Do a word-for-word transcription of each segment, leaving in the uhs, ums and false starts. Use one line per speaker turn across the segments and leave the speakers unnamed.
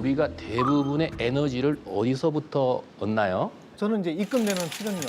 우리가 대부분의 에너지를 어디서부터 얻나요?
저는 이제 입금되는 출연료.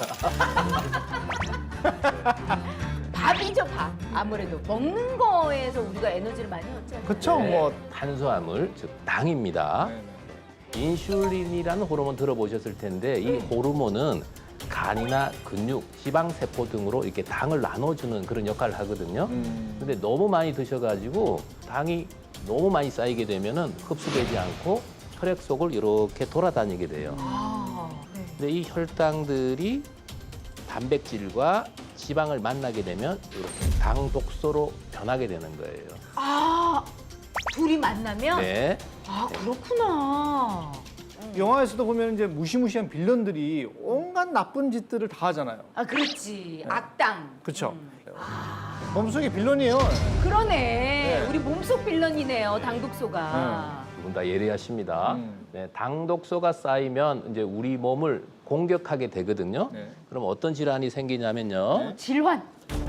밥이죠, 밥. 아무래도 먹는 거에서 우리가 에너지를 많이 얻잖아요.
그쵸?
네,
뭐.
탄수화물, 즉 당입니다.
네네.
인슐린이라는 호르몬 들어보셨을 텐데 이 호르몬은 간이나 근육, 지방세포 등으로 이렇게 당을 나눠주는 그런 역할을 하거든요.
음.
근데 너무 많이 드셔가지고 당이 너무 많이 쌓이게 되면은 흡수되지 않고 혈액 속을 이렇게 돌아다니게 돼요.
아, 네.
근데 이 혈당들이 단백질과 지방을 만나게 되면 이렇게 당 독소로 변하게 되는 거예요.
아, 둘이 만나면?
네.
아, 그렇구나.
영화에서도 보면 이제 무시무시한 빌런들이 온갖 나쁜 짓들을 다 하잖아요.
아, 그렇지. 악당.
그쵸?
음.
몸속에 빌런이에요.
그러네. 우리 몸속 빌런이네요, 당독소가.
두 분 다 예리하십니다.
음.
네, 당 독소가 쌓이면 이제 우리 몸을 공격하게 되거든요.
네.
그럼 어떤 질환이 생기냐면요.
질환.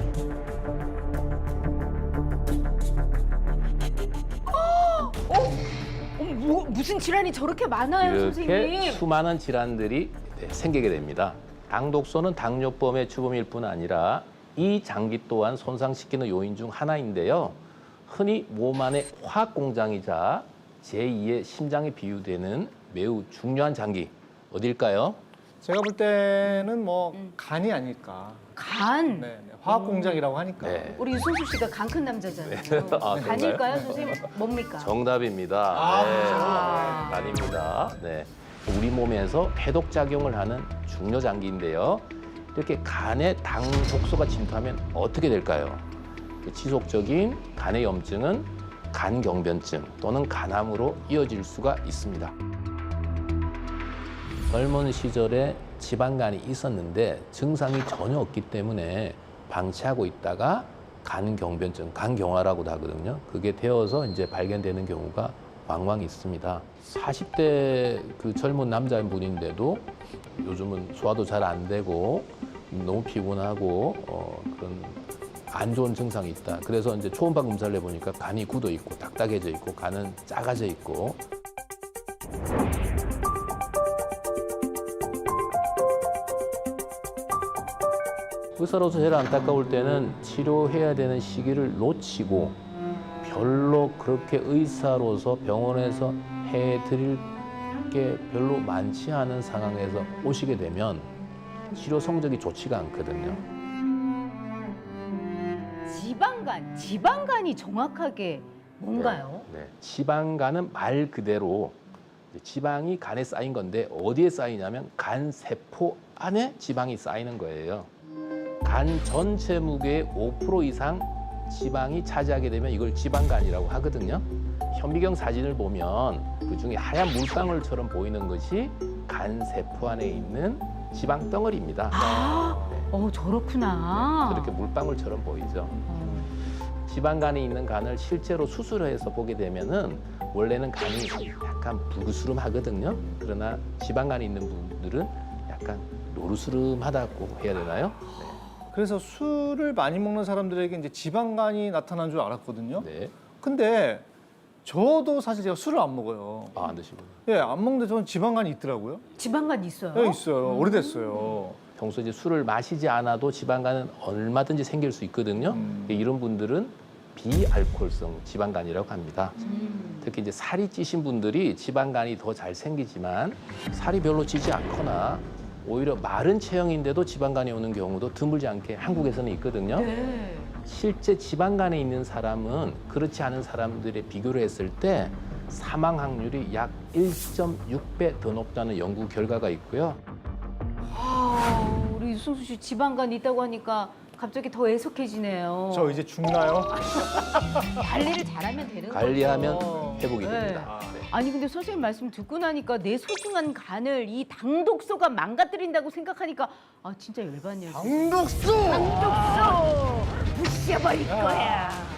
어, 어, 뭐, 무슨 질환이 저렇게 많아요,
이렇게
선생님?
수많은 질환들이 네, 생기게 됩니다. 당 독소는 당뇨병의 주범일 뿐 아니라 이 장기 또한 손상시키는 요인 중 하나인데요. 흔히 몸 안의 화학 공장이자 제이의 심장에 비유되는 매우 중요한 장기 어딜까요?
제가 볼 때는 뭐 간이 아닐까.
간.
네, 네. 화학 공장이라고 하니까.
네.
우리 윤순수 씨가 간 큰 남자잖아요.
아,
간일까요, 선생님? 뭡니까?
정답입니다.
아,
네,
아.
네, 아닙니다. 네. 우리 몸에서 해독 작용을 하는 중요 장기인데요. 이렇게 간에 당 독소가 침투하면 어떻게 될까요? 지속적인 간의 염증은 간경변증 또는 간암으로 이어질 수가 있습니다. 젊은 시절에 지방간이 있었는데 증상이 전혀 없기 때문에 방치하고 있다가 간경변증, 간경화라고도 하거든요. 그게 되어서 이제 발견되는 경우가 왕왕 있습니다. 사십 대 그 젊은 남자분인데도 요즘은 소화도 잘 안 되고 너무 피곤하고 어, 그런 안 좋은 증상이 있다. 그래서 이제 초음파 검사를 해보니까 간이 굳어 있고 딱딱해져 있고 간은 작아져 있고. 의사로서 제일 안타까울 때는 치료해야 되는 시기를 놓치고 별로 그렇게 의사로서 병원에서 해드릴 게 별로 많지 않은 상황에서 오시게 되면 치료 성적이 좋지가 않거든요.
지방간. 지방간이 정확하게 뭔가요?
네. 지방간은 말 그대로 지방이 간에 쌓인 건데 어디에 쌓이냐면 간 세포 안에 지방이 쌓이는 거예요. 간 전체 무게의 오 퍼센트 이상 지방이 차지하게 되면 이걸 지방간이라고 하거든요. 현미경 사진을 보면 그 중에 하얀 물방울처럼 보이는 것이 간 세포 안에 있는 지방 덩어리입니다.
아,
네.
어, 저렇구나.
저렇게 물방울처럼 보이죠.
어.
지방간에 있는 간을 실제로 수술해서 보게 되면은 원래는 간이 약간 불그스름하거든요. 그러나 지방간이 있는 분들은 약간 노르스름하다고 해야 되나요?
그래서 술을 많이 먹는 사람들에게 이제 지방간이 나타나는 줄 알았거든요.
네.
근데 저도 사실 제가 술을 안 먹어요.
아, 안 드시군요.
예, 안 먹는데 저는 지방간이 있더라고요.
지방간 있어요?
예, 있어요. 오래됐어요.
평소 이제 술을 마시지 않아도 지방간은 얼마든지 생길 수 있거든요.
음.
이런 분들은 비알코올성 지방간이라고 합니다.
음.
특히 이제 살이 찌신 분들이 지방간이 더 잘 생기지만 살이 별로 찌지 않거나 오히려 마른 체형인데도 지방간이 오는 경우도 드물지 않게 한국에서는 있거든요.
네.
실제 지방간에 있는 사람은 그렇지 않은 사람들의 비교를 했을 때 사망 확률이 약 일 점 육 배 더 높다는 연구 결과가 있고요.
아, 우리 유승수 씨 지방간 있다고 하니까 갑자기 더 애석해지네요.
저 이제 죽나요?
관리를 잘하면 되는
관리하면
거죠.
회복이
네.
됩니다. 네.
아니 근데 선생님 말씀 듣고 나니까 내 소중한 간을 이 당독소가 망가뜨린다고 생각하니까 아 진짜 열받네요.
당독수!
당독소 부셔버릴 거야.